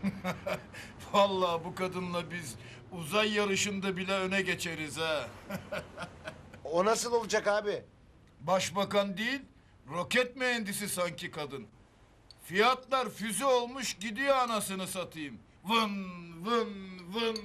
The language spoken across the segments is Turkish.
Vallahi bu kadınla biz uzay yarışında bile öne geçeriz ha. O nasıl olacak abi? Başbakan değil, roket mühendisi sanki kadın. Fiyatlar füze olmuş gidiyor anasını satayım. Vın vın vın.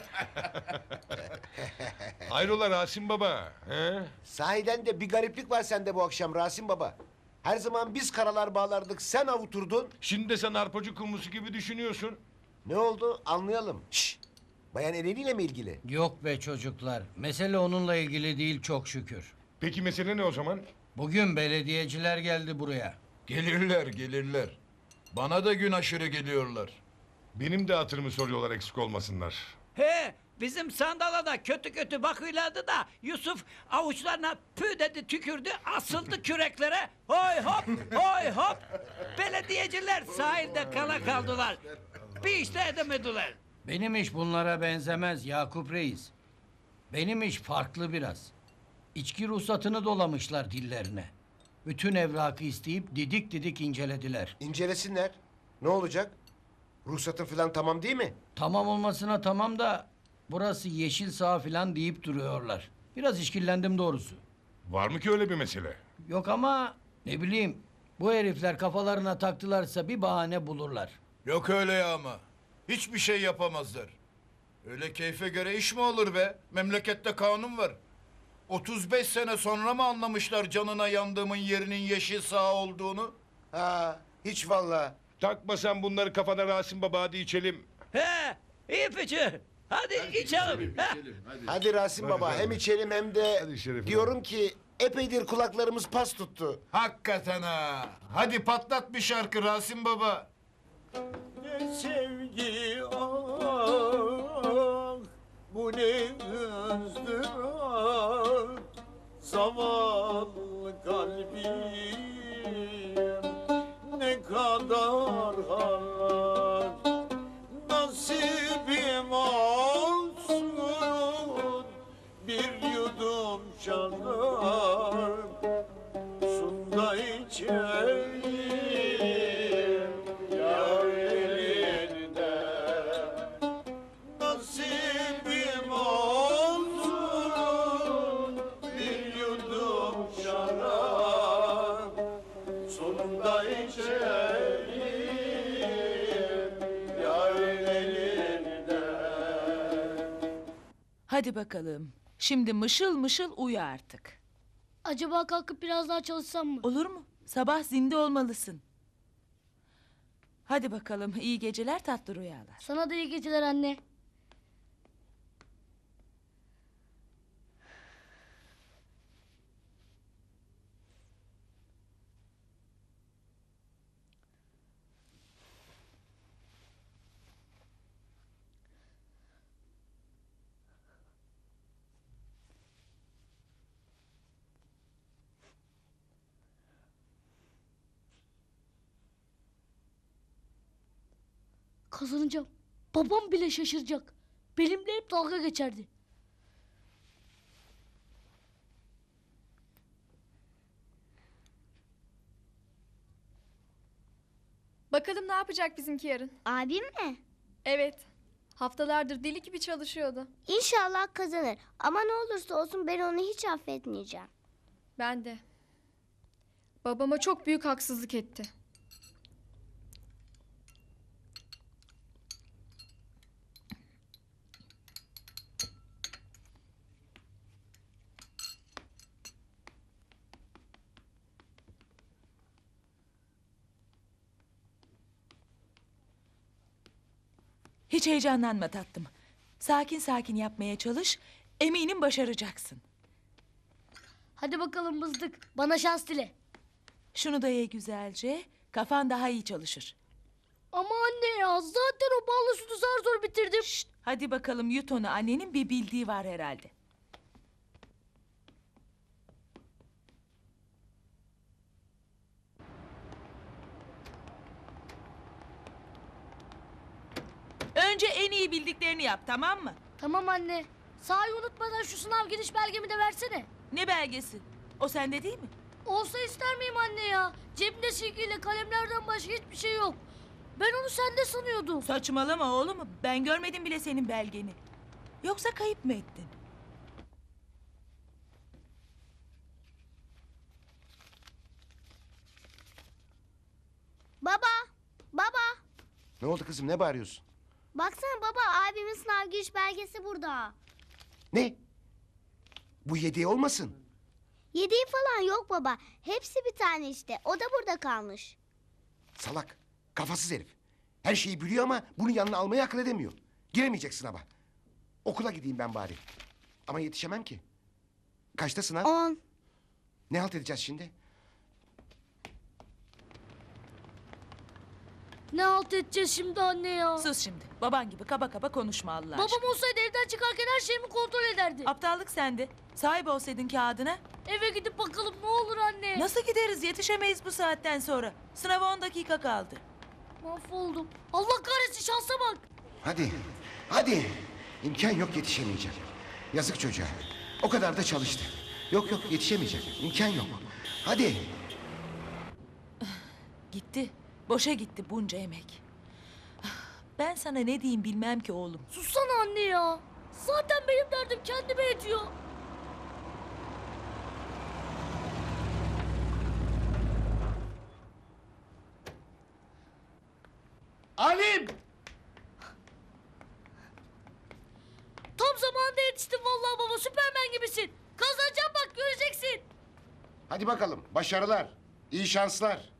Hayrola Rasim Baba? He? Sahiden de bir gariplik var sende bu akşam Rasim Baba. Her zaman biz karalar bağlardık, sen avuturdun. Şimdi de sen arpacı kumrusu gibi düşünüyorsun. Ne oldu? Anlayalım. Şşş! Bayan Eleni ile mi ilgili? Yok be çocuklar. Mesele onunla ilgili değil çok şükür. Peki mesele ne o zaman? Bugün belediyeciler geldi buraya. Gelirler gelirler. Bana da gün aşırı geliyorlar. Benim de hatırımı soruyorlar eksik olmasınlar. He, bizim sandala da kötü kötü bakıyorlardı da Yusuf avuçlarına pü dedi tükürdü asıldı küreklere. Hoy hop hoy hop. Belediyeciler sahilde kala kaldılar. Bir işte edemediler. Benim iş bunlara benzemez Yakup Reis. Benim iş farklı biraz. İçki ruhsatını dolamışlar dillerine. Bütün evrakı isteyip didik didik incelediler. İncelesinler. Ne olacak? Ruhsatın falan tamam değil mi? Tamam olmasına tamam da burası yeşil saha falan deyip duruyorlar. Biraz işkillendim doğrusu. Var mı ki öyle bir mesele? Yok ama ne bileyim bu herifler kafalarına taktılarsa bir bahane bulurlar. Yok öyle ya ama. Hiçbir şey yapamazlar. Öyle keyfe göre iş mi olur be? Memlekette kanun var. 35 sene sonra mı anlamışlar canına yandığımın yerinin yeşil saha olduğunu? Ha, hiç vallahi. Takma sen bunları kafana Rasim Baba, hadi içelim. He, iyi fikir. Hadi içelim. He. Hadi Rasim Baba, hem içelim hem de Hadi Şerif diyorum ki epeydir kulaklarımız pas tuttu. Hakikaten ha. Hadi patlat bir şarkı Rasim Baba. Ne sevgi ah, bu ne ızdırap, zavallı kalbim ne kadar harap, nasibim olsun bir yudum şarap, sunda içeyim yar elinden. Nasibim olsun bir yudum şarap, sonunda içeyim yar elinden. Hadi bakalım. Şimdi mışıl mışıl uyu artık. Acaba kalkıp biraz daha çalışsam mı? Olur mu? Sabah zinde olmalısın. Hadi bakalım. İyi geceler, tatlı rüyalar. Sana da iyi geceler anne. Kazanacağım. Babam bile şaşıracak. Benimle hep dalga geçerdi. Bakalım ne yapacak bizimki yarın? Abim mi? Evet. Haftalardır deli gibi çalışıyordu. İnşallah kazanır. Ama ne olursa olsun ben onu hiç affetmeyeceğim. Ben de. Babama çok büyük haksızlık etti. Hiç heyecanlanma tatlım. Sakin sakin yapmaya çalış. Eminim başaracaksın. Hadi bakalım mızdık. Bana şans dile. Şunu da ye güzelce. Kafan daha iyi çalışır. Ama anne ya zaten o ballı sütü zar zor bitirdim. Şşt, hadi bakalım yut onu. Annenin bir bildiği var herhalde. Önce en iyi bildiklerini yap, tamam mı? Tamam anne. Sahi unutmadan şu sınav giriş belgemi de versene. Ne belgesi? O sende değil mi? Olsa ister miyim anne ya? Cebimde silgiyle kalemlerden başka hiçbir şey yok. Ben onu sende sanıyordum. Saçmalama oğlum. Ben görmedim bile senin belgeni. Yoksa kayıp mı ettin? Baba, baba. Ne oldu kızım, ne bağırıyorsun? Baksana baba, abimin sınav giriş belgesi burada. Ne? Bu yediği olmasın? Yediği falan yok baba. Hepsi bir tane işte. O da burada kalmış. Salak, kafasız herif. Her şeyi biliyor ama bunu yanına almayı akıl edemiyor. Giremeyecek sınava. Okula gideyim ben bari. Ama yetişemem ki. Kaçta sınav? 10. Ne halt edeceğiz şimdi? Ne halt edeceğiz şimdi anne ya? Sus şimdi. Baban gibi kaba kaba konuşma Allah aşkına. Babam olsaydı evden çıkarken her şeyimi kontrol ederdi. Aptallık sende. Sahip olsaydın kağıdına. Eve gidip bakalım ne olur anne. Nasıl gideriz? Yetişemeyiz bu saatten sonra. Sınava 10 dakika kaldı. Mahvoldum. Allah kahretsin, şansa bak. Hadi, hadi. İmkan yok, yetişemeyecek. Yazık çocuğa. O kadar da çalıştı. Yok yok, yetişemeyecek. İmkan yok. Hadi. Gitti. Boşa gitti bunca emek. Ben sana ne diyeyim bilmem ki oğlum. Sussana anne ya. Zaten benim derdim kendime yetiyor. Alim! Tam zamanında yetiştin vallahi baba, Süpermen gibisin. Kazanacağım bak, göreceksin. Hadi bakalım, başarılar. İyi şanslar.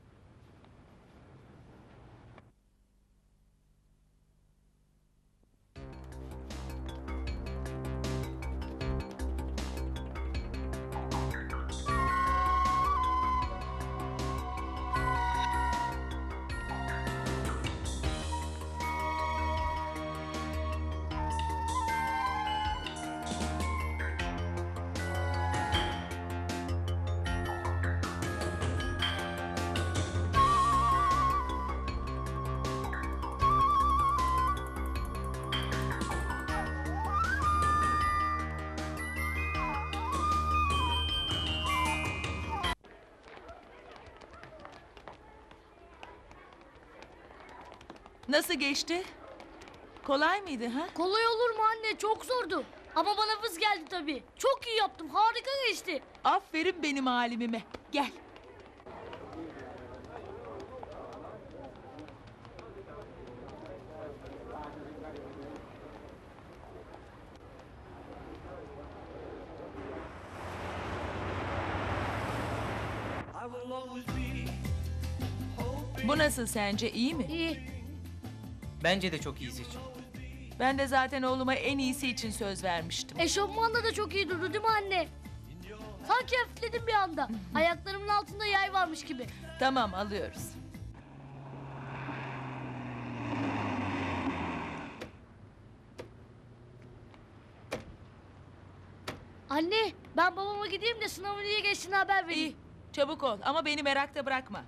Nasıl geçti? Kolay mıydı ha? Kolay olur mu anne, çok zordu. Ama bana vız geldi tabii. Çok iyi yaptım, harika geçti. Aferin benim halimime. Gel. Bu nasıl sence, iyi mi? İyi. Bence de çok iyi seçim. Ben de zaten oğluma en iyisi için söz vermiştim. Eşofmanla da çok iyi durdu değil mi anne? Sanki hafifledim bir anda. Ayaklarımın altında yay varmış gibi. Tamam, alıyoruz. Anne, ben babama gideyim de sınavın iyi geçtiğini haber vereyim. İyi, çabuk ol ama beni merakta bırakma.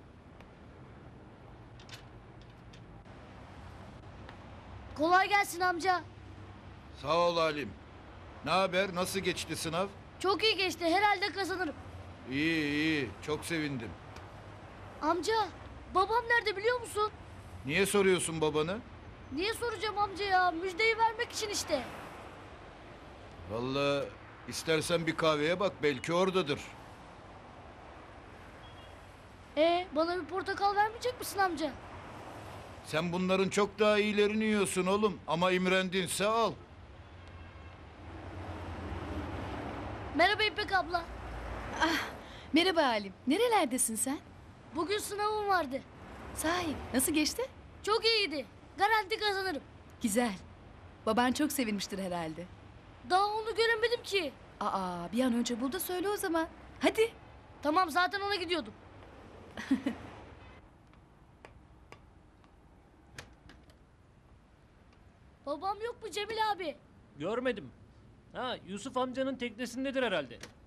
Kolay gelsin amca. Sağ ol Halim. Ne haber? Nasıl geçti sınav? Çok iyi geçti, herhalde kazanırım. İyi iyi. Çok sevindim. Amca, babam nerede biliyor musun? Niye soruyorsun babanı? Niye soracağım amca ya? Müjdeyi vermek için işte. Vallahi istersen bir kahveye bak. Belki oradadır. Bana bir portakal vermeyecek misin amca? Sen bunların çok daha iyilerini yiyorsun oğlum. Ama imrendinse al. Merhaba İpek abla. Merhaba Halim. Nerelerdesin sen? Bugün sınavım vardı. Sahi nasıl geçti? Çok iyiydi. Garanti kazanırım. Güzel. Baban çok sevinmiştir herhalde. Daha onu göremedim ki. Aa, bir an önce bul da söyle o zaman. Hadi. Tamam, zaten ona gidiyordum. Babam yok mu Cemil abi? Görmedim. Ha, Yusuf amcanın teknesindedir herhalde.